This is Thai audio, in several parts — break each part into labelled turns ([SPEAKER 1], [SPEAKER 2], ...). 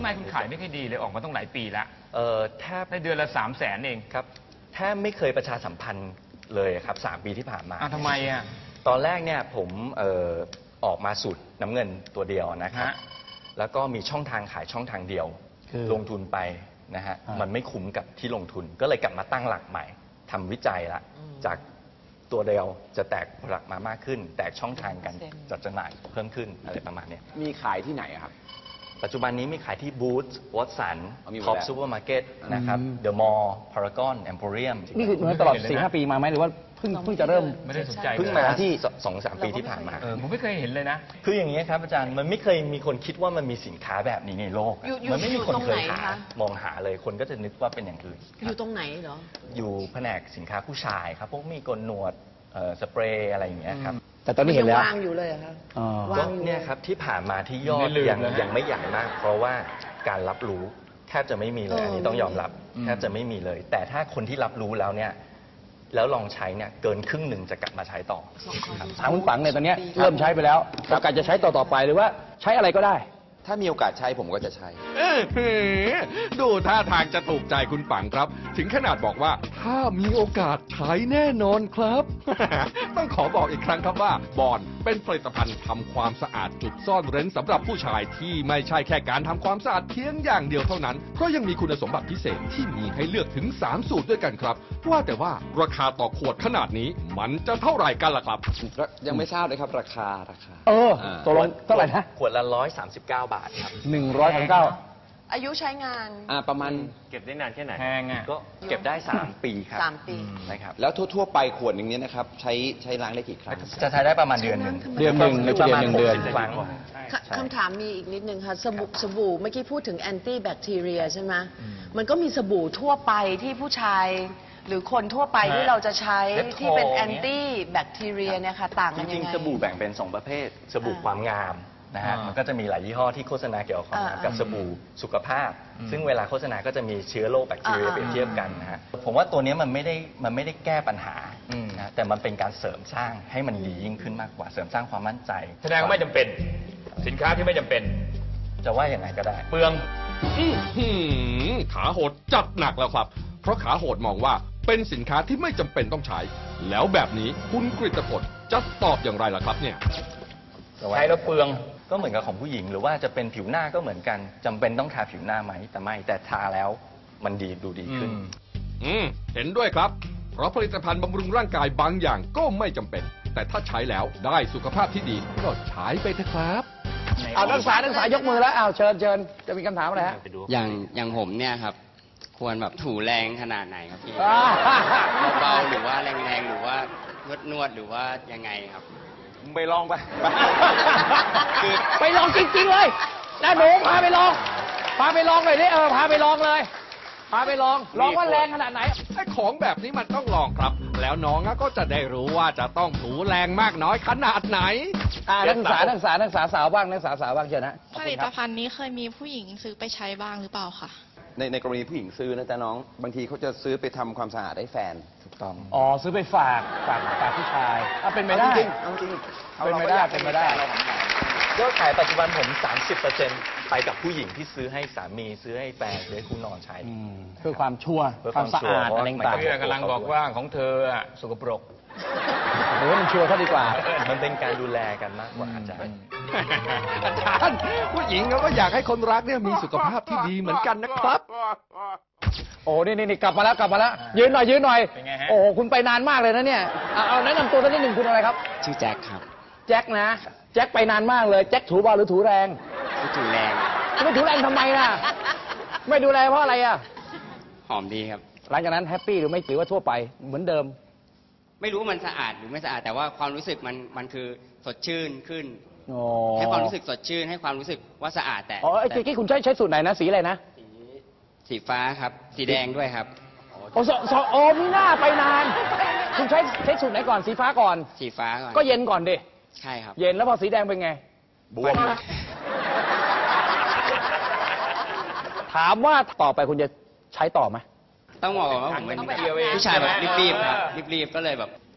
[SPEAKER 1] ไมคุณขายไม่ค่อยดีเลยออกมาต้องหลายปีละ
[SPEAKER 2] แทบ
[SPEAKER 1] ในเดือนละ300,000เอง
[SPEAKER 2] ครับแทบไม่เคยประชาสัมพันธ์เลยครับ3 ปีที่ผ่านมา
[SPEAKER 1] ทำไมอ่ะ
[SPEAKER 2] ตอนแรกเนี่ยผมออกมาสูตรน้ำเงินตัวเดียวนะครับแล้วก็มีช่องทางขายช่องทางเดียวลงทุนไปนะฮะมันไม่คุ้มกับที่ลงทุนก็เลยกลับมาตั้งหลักใหม่ทำวิจัยละจากตัวเดียวจะแตกผลักมามากขึ้นแตกช่องทางกันจัดจำหน่ายเพิ่มขึ้นอะไรประมาณนี้
[SPEAKER 3] มีขายที่ไหนครับ
[SPEAKER 2] ปัจจุบันนี้มีขายที่บูธวอตสันท็อปซูเปอร์มาร์เก็ตนะครับเดอะมอลล์พารากอนแอมโพเรียม
[SPEAKER 4] นี่คือตลอด 4-5 ปีมาไหมหรือว่าเพิ่งจะเริ่ม
[SPEAKER 1] ไม่ได้สนใจ
[SPEAKER 2] เพิ่งมาที่ 2-3 ปีที่ผ่านมา
[SPEAKER 1] ผมไม่เคยเห็นเลยนะ
[SPEAKER 2] คืออย่างนี้ครับอาจารย์มันไม่เคยมีคนคิดว่ามันมีสินค้าแบบนี้ในโลกมันไม่มีคนเคยมองหาเลยคนก็จะนึกว่าเป็นอย่างอื่น
[SPEAKER 5] อยู่ตรงไหนเหรอ
[SPEAKER 2] อยู่แผนกสินค้าผู้ชายครับพวกมีกลหนวดสเปรย์อะไรอย่างเงี้ยครับ
[SPEAKER 4] แต่ตอนนี้เห็นแล้ว
[SPEAKER 5] วางอยู่เลยครับ
[SPEAKER 2] วางเนี่ยครับที่ผ่านมาที่ยอดยังไม่ใหญ่มากเพราะว่าการรับรู้แทบจะไม่มีเลยอันนี้ต้องยอมรับแทบจะไม่มีเลยแต่ถ้าคนที่รับรู้แล้วเนี่ยแล้วลองใช้เนี่ยเกินครึ่งหนึ่งจะกลับมาใช้ต่อ
[SPEAKER 4] ถามคุณปังเนี่ยตอนนี้เริ่มใช้ไปแล้วโอกาสจะใช้ต่อไปหรือว่าใช้อะไรก็ได้
[SPEAKER 3] ถ้ามีโอกาสใช้ผมก็จะใช้
[SPEAKER 6] ดูท่าทางจะถูกใจคุณปังครับถึงขนาดบอกว่าถ้ามีโอกาสใช้แน่นอนครับ ต้องขอบอกอีกครั้งครับว่าบอนเป็นผลิตภัณฑ์ทำความสะอาดจุดซ่อนเร้นสำหรับผู้ชายที่ไม่ใช่แค่การทำความสะอาดเพียงอย่างเดียวเท่านั้นเพราะยังมีคุณสมบัติพิเศษที่มีให้เลือกถึง3สูตรด้วยกันครับว่าแต่ว่าราคาต่อขวดขนาดนี้มันจะเท่าไหร่กันล่ะครับ
[SPEAKER 3] ยังไม่ทราบเลยครับราคา
[SPEAKER 4] ตกลงเท่าไหร่นะ
[SPEAKER 2] ขวดละ139 บาทครับ
[SPEAKER 4] 139
[SPEAKER 5] อายุใช้งาน
[SPEAKER 3] ประมาณ
[SPEAKER 2] เก็บได้นานแค่ไหน
[SPEAKER 1] แพงอ่ะ
[SPEAKER 2] ก็เก็บได้3 ปีครับ
[SPEAKER 5] 3 ปี
[SPEAKER 2] นะครับ
[SPEAKER 3] แล้วทั่วๆไปขวดหนึ่งนี้นะครับใช้ล้างได้กี่ครั้ง
[SPEAKER 2] จะใช้ได้ประมาณเดือนหนึ่ง
[SPEAKER 4] หรือประมาณ1 เดือน
[SPEAKER 2] ครั้ง
[SPEAKER 5] คำถามมีอีกนิดนึงค่ะสบู่เมื่อกี้พูดถึงแอนตี้แบคทีเรียใช่ไหมมันก็มีสบู่ทั่วไปที่ผู้ชายหรือคนทั่วไปที่เราจะใช้ที่เป็นแอนตี้แบคทีเรียเนี่ยค่ะต่างกันยังไง
[SPEAKER 2] จริงๆสบู่แบ่งเป็น2 ประเภทสบู่ความงามนะฮะมันก็จะมีหลายยี่ห้อที่โฆษณาเกี่ยวกับความงามกับสบู่สุขภาพซึ่งเวลาโฆษณาก็จะมีเชื้อโรคแบคทีเรียเปรียบเทียบกันนะฮะผมว่าตัวนี้มันไม่ได้แก้ปัญหานะแต่มันเป็นการเสริมสร้างให้มันดียิ่งขึ้นมากกว่าเสริมสร้างความมั่นใจ
[SPEAKER 1] แสดงว่าไม่จำเป็นสินค้าที่ไม่จำเป็น
[SPEAKER 2] จะว่าอย่างไรก็ได้
[SPEAKER 1] เปลือง
[SPEAKER 6] ขาโหดจัดหนักแล้วครับเพราะขาโหดมองว่าเป็นสินค้าที่ไม่จำเป็นต้องใช้แล้วแบบนี้คุณกฤตพลจะตอบอย่างไรล่ะครับเนี่ย
[SPEAKER 1] ใช้แล้วเปลือง
[SPEAKER 2] ก็เหมือนกับของผู้หญิงหรือว่าจะเป็นผิวหน้าก็เหมือนกันจำเป็นต้องทาผิวหน้าไหมแต่ไม่แต่ทาแล้วมันดูดีขึ้น
[SPEAKER 6] เห็นด้วยครับเพราะผลิตภัณฑ์บำรุงร่างกายบางอย่างก็ไม่จำเป็นแต่ถ้าใช้แล้วได้สุขภาพที่ดีก็ใช้ไปเถอะครับ
[SPEAKER 4] นักศึกษายกมือแล้วเชิญจะมีคำถามอะไรฮะ
[SPEAKER 7] อย่างผมเนี่ยครับควรแบบถูแรงขนาดไหนครับพี่เบาๆหรือว่าแรงๆหรือว่านวดหรือว่ายังไงครับ
[SPEAKER 1] ไปลองไป
[SPEAKER 4] ไปลองจริงๆเลยนะหนูพาไปลองเลยดิพาไปลองเลยพาไปลองว่าแรงขนาดไหน
[SPEAKER 6] ไอ้ของแบบนี้มันต้องลองครับแล้วน้องก็จะได้รู้ว่าจะต้องถูแรงมากน้อยขนาดไหน
[SPEAKER 4] นักศึกษาสาวบ้างนักศึกษาสาวบ้างเชิญนะ
[SPEAKER 8] ผลิตภัณฑ์นี้เคยมีผู้หญิงซื้อไปใช้บ้างหรือเปล่าคะ
[SPEAKER 3] ในกรณีผู้หญิงซื้อนะจ๊ะน้องบางทีเขาจะซื้อไปทำความสะอาดให้แฟน
[SPEAKER 2] ถูกต้อง
[SPEAKER 4] ซื้อไปฝากผู้ชายเป็นไม่ได้
[SPEAKER 3] จริง
[SPEAKER 4] เป็นไม่ได้
[SPEAKER 2] ยอดขายปัจจุบันผม 30% ไปกับผู้หญิงที่ซื้อให้สามีซื้อให้แฟนซื้อให้คู่นอนใช้
[SPEAKER 4] เพื่อความชัวร์ความสะอาดอะไรต่าง
[SPEAKER 1] ๆกำลังบอกว่าของเธอสกปรก
[SPEAKER 4] หรือว่ามันชัวร์เท่าดีกว่า
[SPEAKER 2] มันเป็นการดูแลกันมากกว่าอาจารย์
[SPEAKER 6] ผู้หญิงก็อยากให้คนรักเนี่ยมีสุขภาพที่ดีเหมือนกันนะครับ
[SPEAKER 4] นี่กลับมาแล้วยืนหน่อยโอ้คุณไปนานมากเลยนะเนี่ยเอาแนะนำตัวสักนิดหนึ่งคุณอะไรครับ
[SPEAKER 7] ชื่อแจ็คครับ
[SPEAKER 4] แจ็คนะแจ็คไปนานมากเลยแจ็คถูเบาหรือถูแรง
[SPEAKER 7] ถูแรง
[SPEAKER 4] ไม่ถูแรงทำไมล่ะไม่ดูแลเพราะอะไร
[SPEAKER 7] หอมดีครับ
[SPEAKER 4] หลังจากนั้นแฮปปี้หรือไม่หรือว่าทั่วไปเหมือนเดิม
[SPEAKER 7] ไม่รู้มันสะอาดหรือไม่สะอาดแต่ว่าความรู้สึกมันคือสดชื่นขึ้นให้ความรู้สึกสดชื่นให้ความรู้สึกว่าสะอาดแต่
[SPEAKER 4] ไอ้ที่คุณใช้สูตรไหนนะสีอะไรนะ
[SPEAKER 7] สีฟ้าครับสีแดงด้วยครับ
[SPEAKER 4] มีหน้าไปนานคุณใช้สูตรไหนก่อนสีฟ้าก่อน
[SPEAKER 7] สีฟ้าก่อน
[SPEAKER 4] ก็เย็นก่อนดิ
[SPEAKER 7] ใช่ครับ
[SPEAKER 4] เย็นแล้วพอสีแดงเป็นไง
[SPEAKER 2] บวม
[SPEAKER 4] ถามว่าต่อไปคุณจะใช้ต่อไหม
[SPEAKER 7] ต้องบอกว่าผมเป็นผู้ชายแบบรีบๆครับรีบๆก็เลยแบบ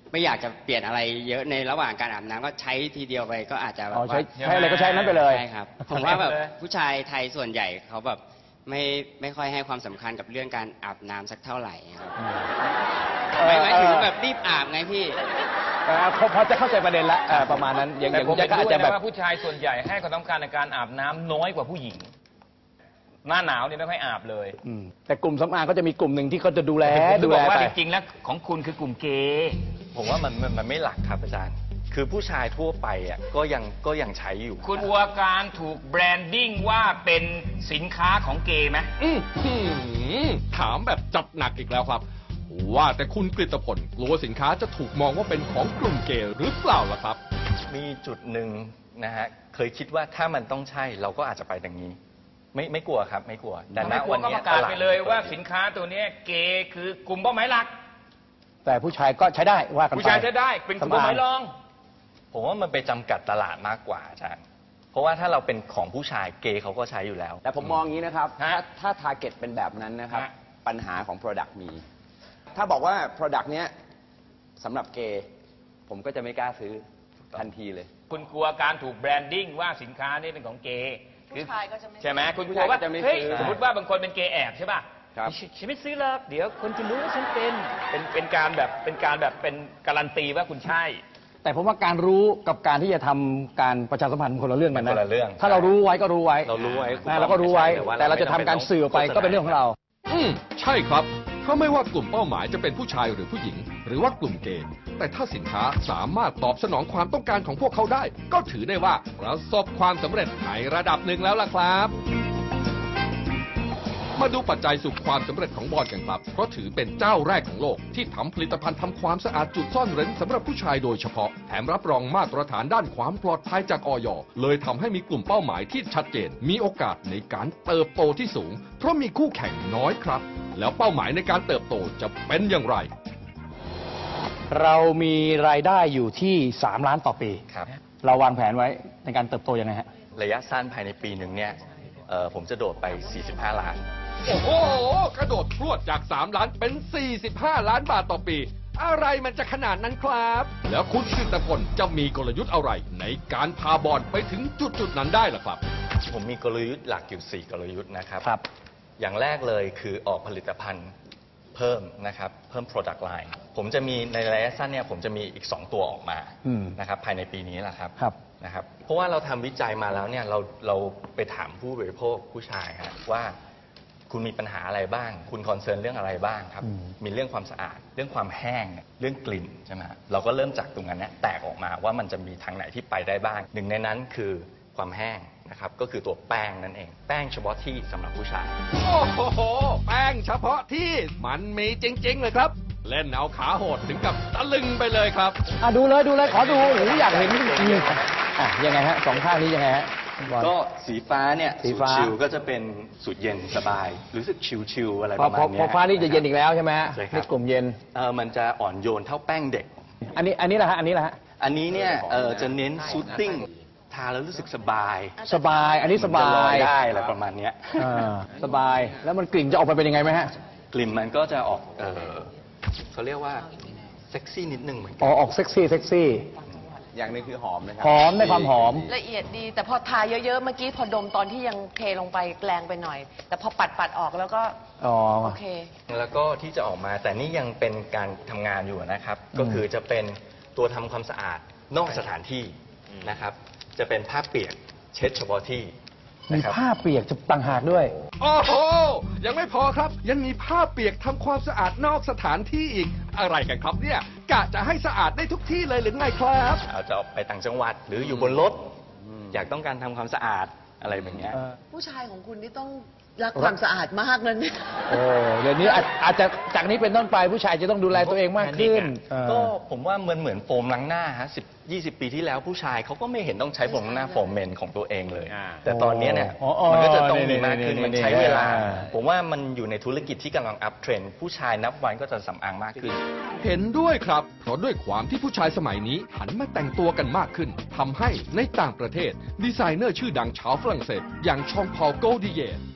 [SPEAKER 7] ไม่อยากจะเปลี่ยนอะไรเยอะในระหว่างการอาบน้ำก็ใช้ทีเดียวไปก็อาจจะแบบ
[SPEAKER 4] อ๋อ
[SPEAKER 7] ว่า
[SPEAKER 4] ใช้อะไรก็ใช้นั้นไปเลย
[SPEAKER 7] ใช่ครับผมว่าแบบผู้ชายไทยส่วนใหญ่เขาแบบไม่ค่อยให้ความสำคัญกับเรื่องการอาบน้ำสักเท่าไหร่ครับหมายถึงแบบรีบอาบไงพี่
[SPEAKER 4] พอจะเข้าใจประเด็นละประมาณนั้นอย่าง
[SPEAKER 1] แต่ผม
[SPEAKER 4] จะ
[SPEAKER 1] เห็น
[SPEAKER 4] อาจ
[SPEAKER 1] ด้วย
[SPEAKER 4] จะแบ
[SPEAKER 1] นะ
[SPEAKER 4] บ
[SPEAKER 1] ว่าผู้ชายส่วนใหญ่ให้ความสำคัญในการอาบน้ำน้อยกว่าผู้หญิง หน้าหนาวเนี่ยไม่ค่อยอาบเลย
[SPEAKER 4] แต่กลุ่มสำอางก็จะมีกลุ่มหนึ่งที่เขาจะดูแล
[SPEAKER 1] ผมจะบอกว่า
[SPEAKER 4] ไป
[SPEAKER 1] จริงๆแล้วของคุณคือกลุ่มเกย์
[SPEAKER 2] ผมว่ามันไม่หลักครับอาจารย์ คือผู้ชายทั่วไปอ่ะก็ยังใช้อยู่
[SPEAKER 1] คุณกลัวการถูกแบรนดิ้งว่าเป็นสินค้าของเกย์ไหม
[SPEAKER 6] ถามแบบจัดหนักอีกแล้วครับ ว่าแต่คุณกฤตพลกลัวสินค้าจะถูกมองว่าเป็นของกลุ่มเกย์หรือเปล่าล่ะครับ
[SPEAKER 2] มีจุดหนึ่งนะฮะเคยคิดว่าถ้ามันต้องใช่เราก็อาจจะไปดังนี้ ไม่กลัวครับไม่กลัวแต่ณ
[SPEAKER 1] ไม่กลัว
[SPEAKER 2] วัน
[SPEAKER 1] ก็
[SPEAKER 2] นี้
[SPEAKER 1] ประกาศไปเลยว่าสินค้าตัวเนี้ยเกย์คือกลุ่มเป้าหมายหลัก
[SPEAKER 4] แต่ผู้ชายก็ใช้ได้ว่ากันไป
[SPEAKER 1] ผู้ชายจะได้เป็นกลุ่มเป้าหมายรอง
[SPEAKER 2] ผมว่ามันไปจำกัดตลาดมากกว่าอาจารย์เพราะว่าถ้าเราเป็นของผู้ชายเกย์เขาก็ใช้อยู่แล้ว
[SPEAKER 3] แต่ผมมองอย่างนี้นะครับ
[SPEAKER 1] ฮะ
[SPEAKER 3] ถ้า target เป็นแบบนั้นนะครับ
[SPEAKER 1] ฮะ
[SPEAKER 3] ปัญหาของ product มี ถ้าบอกว่า product เนี้ยสำหรับเกย์ผมก็จะไม่กล้าซื้อทันทีเลย
[SPEAKER 1] คุณกลัวการถูกแบรนดิ้งว่าสินค้านี่เป็นของเกย์
[SPEAKER 5] ผู้ชายก็จะไม่
[SPEAKER 1] ใช่ไหมคุณก
[SPEAKER 3] ผู้
[SPEAKER 1] ลัว
[SPEAKER 3] ชาย
[SPEAKER 1] ว่า
[SPEAKER 3] ก็จะไม่
[SPEAKER 1] เฮ้ย
[SPEAKER 3] ซื้อ
[SPEAKER 1] สมมติว่าบางคนเป็นเกย์แอบใช่ป่ะ
[SPEAKER 3] ครับ
[SPEAKER 1] ฉันไม่ซื้อหรอกเดี๋ยวคนจะรู้ว่าฉันเป็นการแบบเป็นการันตีว่าคุณใช่
[SPEAKER 4] แต่ผมว่าการรู้กับการที่จะทำการประชาสัมพันธ์มันคนละเรื่องกันนะ
[SPEAKER 2] คนละเรื่อง
[SPEAKER 4] ถ้าเรารู้ไว้ก็รู้ไว้
[SPEAKER 2] เรารู้ไว้
[SPEAKER 4] นะเราก็รู้ไว้
[SPEAKER 2] แต่ว่า
[SPEAKER 4] แต่เราจะทำการสื่อออกไปก็เป็นเรื่องของเรา
[SPEAKER 6] ใช่ครับเพราะไม่ว่ากลุ่มเป้าหมายจะเป็นผู้ชายหรือผู้หญิง หรือว่ากลุ่มเกย์แต่ถ้าสินค้าสามารถตอบสนองความต้องการของพวกเขาได้ ก็ถือได้ว่าประสบความสำเร็จในระดับหนึ่งแล้วล่ะครับ มาดูปัจจัยสู่ความสำเร็จของบอลกันครับ เพราะถือเป็นเจ้าแรกของโลกที่ทำผลิตภัณฑ์ทำความสะอาดจุดซ่อนเร้นสำหรับผู้ชายโดยเฉพาะ แถมรับรองมาตรฐานด้านความปลอดภัยจากอย.เลยทำให้มีกลุ่มเป้าหมายที่ชัดเจน มีโอกาสในการเติบโตที่สูง เพราะมีคู่แข่งน้อยครับ แล้วเป้าหมายในการเติบโตจะเป็นอย่างไร
[SPEAKER 4] เรามีรายได้อยู่ที่3 ล้านต่อปี
[SPEAKER 2] ครับ
[SPEAKER 4] เราวางแผนไว้ในการเติบโตยังไงฮะ
[SPEAKER 2] ระยะสั้นภายในปีหนึ่งเนี่ยผมจะโดดไป 45 ล้าน
[SPEAKER 6] โอ้โห กระโดดพรวดจาก 3 ล้านเป็น 45 ล้านบาทต่อปี อะไรมันจะขนาดนั้นครับ แล้วคุณกฤตพลจะมีกลยุทธ์อะไรในการพาบอลไปถึงจุดนั้นได้ล่ะครับ
[SPEAKER 2] ผมมีกลยุทธ์หลักอยู่ 4 กลยุทธ์นะครับ
[SPEAKER 4] ครับ
[SPEAKER 2] อย่างแรกเลยคือออกผลิตภัณฑ์เพิ่มนะครับเพิ่ม product line ผมจะมีในระยะสั้นเนี่ยผมจะมีอีก 2 ตัวออกมา
[SPEAKER 4] อืม
[SPEAKER 2] นะครับภายในปีนี้แหละครับ
[SPEAKER 4] ครับ
[SPEAKER 2] นะครับเพราะว่าเราทำวิจัยมาแล้วเนี่ยเราไปถามผู้บริโภคผู้ชายฮะว่าคุณมีปัญหาอะไรบ้าง คุณคอนเซิร์นเรื่องอะไรบ้างครับ มีเรื่องความสะอาด เรื่องความแห้ง เรื่องกลิ่นใช่ไหมฮะเราก็เริ่มจากตรงนั้นเนี่ยแตกออกมาว่ามันจะมีทางไหนที่ไปได้บ้าง หนึ่งในนั้นคือความแห้งนะครับก็คือตัวแป้งนั่นเอง แป้งเฉพาะที่สำหรับผู้ชาย
[SPEAKER 6] โอ้โห แป้งเฉพาะที่มันมีจริงๆเลยครับ เล่นเอาขาโหดถึงกับตะลึงไปเลยครับ
[SPEAKER 4] ดูเลยขอดูโอ้โหอยากเห็นจริงๆยังไงฮะ2 ข้างนี้ยังไงฮะบอล
[SPEAKER 2] ก็สีฟ้าเนี่ย
[SPEAKER 4] สี
[SPEAKER 2] สูต
[SPEAKER 4] ฟ้า
[SPEAKER 2] รชิลก็จะเป็นสูตรเย็นสบาย รู้สึกชิลๆอะไร
[SPEAKER 4] พ
[SPEAKER 2] ป
[SPEAKER 4] อ
[SPEAKER 2] ระมาณ
[SPEAKER 4] พอ
[SPEAKER 2] เนี้ย
[SPEAKER 4] พอฟ้านี่จะเย็นอีกแล้วใช่ไหมฮะ
[SPEAKER 2] ใช่ครับ
[SPEAKER 4] นี่กลุ่มเย็น
[SPEAKER 2] มันจะอ่อนโยนเท่าแป้งเด็ก
[SPEAKER 4] อันนี้แหละฮะอันนี้แหละฮะ
[SPEAKER 2] อันนี้เนี่ยจะเน้นซูตติ้งทาแล้วรู้สึกสบาย
[SPEAKER 4] สบายอันนี้สบา
[SPEAKER 2] จะล
[SPEAKER 4] ย
[SPEAKER 2] ได้อะไรประมาณเนี้ย
[SPEAKER 4] สบายแล้วมันกลิ่นจะออกมาเป็นยังไงไหมฮะ
[SPEAKER 2] กลิ่นมันก็จะออกเขาเรียกว่าเซ็กซี่นิดนึงเหมือนกั
[SPEAKER 4] ออกเซ็กซี่
[SPEAKER 3] อย่างหนึงคือหอมนะครั
[SPEAKER 4] หอมในความหอม
[SPEAKER 5] ละเอียดดี แต่พอทาเยอะๆ เมื่อกี้พอดมตอนที่ยังเทลงไปแรงไปหน่อย แต่พอปัดออกแล้วก็
[SPEAKER 4] อ๋อ
[SPEAKER 5] โอเค
[SPEAKER 2] แล้วก็ที่จะออกมาแต่นี่ยังเป็นการทำงานอยู่นะครับ ก็คือจะเป็นตัวทำความสะอาดนอกสถานที่นะครับ จะเป็นผ้าเปียกเช็ดเฉพาะที่
[SPEAKER 4] มี
[SPEAKER 2] นะครับ
[SPEAKER 4] ผ้าเปียกจะต่างหากด้วย
[SPEAKER 6] โอ้โห ยังไม่พอครับ ยังมีผ้าเปียกทำความสะอาดนอกสถานที่อีก อะไรกันครับเนี่ย กะจะให้สะอาดได้ทุกที่เลยหรือไงครับ
[SPEAKER 2] อาจจะออกไปต่างจังหวัด หรืออยู่บนรถ อยากต้องการทำความสะอาดอะไรแบบเนี้ย
[SPEAKER 5] ผู้ชายของคุณนี่ต้องรักความสะอาดมากนะเนี่ย
[SPEAKER 4] โอ้เดี๋ยวนี้อาจจะจากนี้เป็นต้นไปผู้ชายจะต้องดูแลตัวเองมากขึ้น
[SPEAKER 2] ก็ผมว่าเหมือนโฟมล้างหน้าฮะ10-20 ปีที่แล้วผู้ชายเขาก็ไม่เห็นต้องใช้โฟมล้างหน้าโฟมเมนของตัวเองเลย แต่ตอนนี้เนี่ย มันก็จะต้องมีมากขึ้นมันใช้เวลา ผมว่ามันอยู่ในธุรกิจที่กำลังอัพเทรนด์ผู้ชายนับวันก็จะสำอางมากขึ้น
[SPEAKER 6] เห็นด้วยครับ เพราะด้วยความที่ผู้ชายสมัยนี้หันมาแต่งตัวกันมากขึ้นทำให้ในต่างประเทศ ดีไซเนอร์ชื่อดังชาวฝรั่งเศส อย่างชองพอล โกลดิเยร์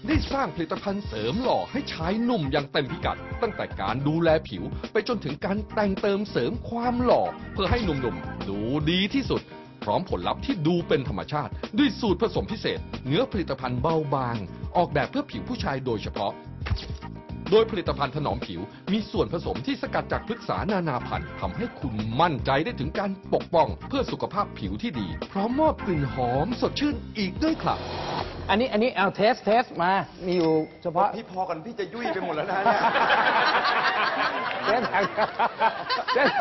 [SPEAKER 6] ได้สร้างผลิตภัณฑ์เสริมหล่อให้ชายหนุ่มอย่างเต็มพิกัด ตั้งแต่การดูแลผิวไปจนถึงการแต่งเติมเสริมความหล่อเพื่อให้หนุ่มๆดูดีที่สุด พร้อมผลลัพธ์ที่ดูเป็นธรรมชาติ ด้วยสูตรผสมพิเศษ เนื้อผลิตภัณฑ์เบาบาง ออกแบบเพื่อผิวผู้ชายโดยเฉพาะ โดยผลิตภัณฑ์ถนอมผิวมีส่วนผสมที่สกัดจากพฤกษานานาพันธุ์ทำให้คุณมั่นใจได้ถึงการปกป้องเพื่อสุขภาพผิวที่ดี พร้อมมอบกลิ่นหอมสดชื่นอีกด้วยครับ
[SPEAKER 4] อันนี้เอาเทสมา มีอยู่เฉพาะ
[SPEAKER 3] พี่พอกันพี่จะยุ่ยไปหมดแล้วนะเนี่ย
[SPEAKER 4] เทสเทส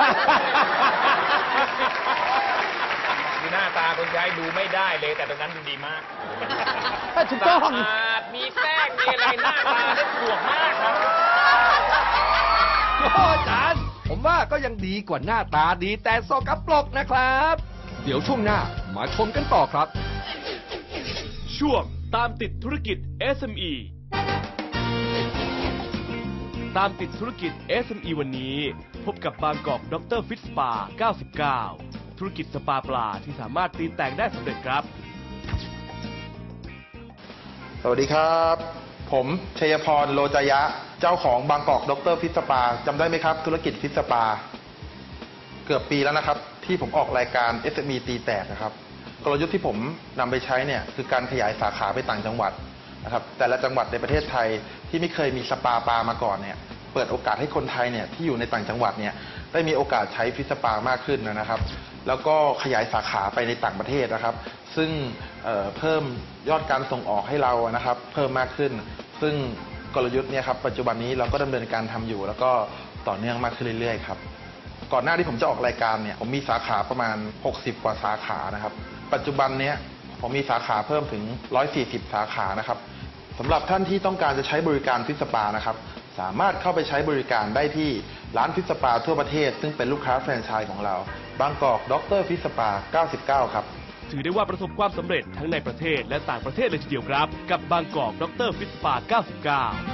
[SPEAKER 1] มีหน้าตาคนใช้ดูไม่ได้เลยแต่ตรงนั้นดูดีมาก
[SPEAKER 4] ถูกต้อง
[SPEAKER 1] สะอาดมีแป้งมีอะไรหน้าตาได้สวยมากครับ
[SPEAKER 6] โอ้อาจารย์ผมว่าก็ยังดีกว่าหน้าตาดีแต่สกปรกนะครับ เดี๋ยวช่วงหน้ามาชมกันต่อครับ
[SPEAKER 9] ช่วงตามติดธุรกิจ SME ตามติดธุรกิจ SME วันนี้ พบกับบางกอกดรฟิตสปา 99 ธุรกิจสปาปลาที่สามารถตีแต่งได้สำเร็จครับ
[SPEAKER 10] สวัสดีครับ ผมชัยพรโลจยะ เจ้าของบางกอกดรฟิตสปาจำได้ไหมครับ ธุรกิจฟิตสปา เกือบปีแล้วนะครับ ที่ผมออกรายการ SME ตีแตกนะครับ กลยุทธ์ที่ผมนำไปใช้เนี่ยคือการขยายสาขาไปต่างจังหวัดนะครับแต่ละจังหวัดในประเทศไทยที่ไม่เคยมีสปาปลามาก่อนเนี่ยเปิดโอกาสให้คนไทยเนี่ยที่อยู่ในต่างจังหวัดเนี่ยได้มีโอกาสใช้ฟิตสปามากขึ้นนะครับแล้วก็ขยายสาขาไปในต่างประเทศนะครับซึ่งเพิ่มยอดการส่งออกให้เรานะครับเพิ่มมากขึ้นซึ่งกลยุทธ์เนี่ยครับปัจจุบันนี้เราก็ดำเนินการทำอยู่แล้วก็ต่อเนื่องมากขึ้นเรื่อยๆครับก่อนหน้าที่ผมจะออกรายการเนี่ยผมมีสาขาประมาณ60กว่าสาขานะครับปัจจุบันเนี้ยผมมีสาขาเพิ่มถึง140สาขานะครับสำหรับท่านที่ต้องการจะใช้บริการฟิตสปานะครับสามารถเข้าไปใช้บริการได้ที่ร้านฟิตสปาทั่วประเทศซึ่งเป็นลูกค้าแฟรนไชส์ของเราบางกอกดรฟิตสปา99ครับ
[SPEAKER 9] ถือได้ว่าประสบความสำเร็จทั้งในประเทศและต่างประเทศเลยทีเดียวครับกับบางกอกดรฟิตสปา 99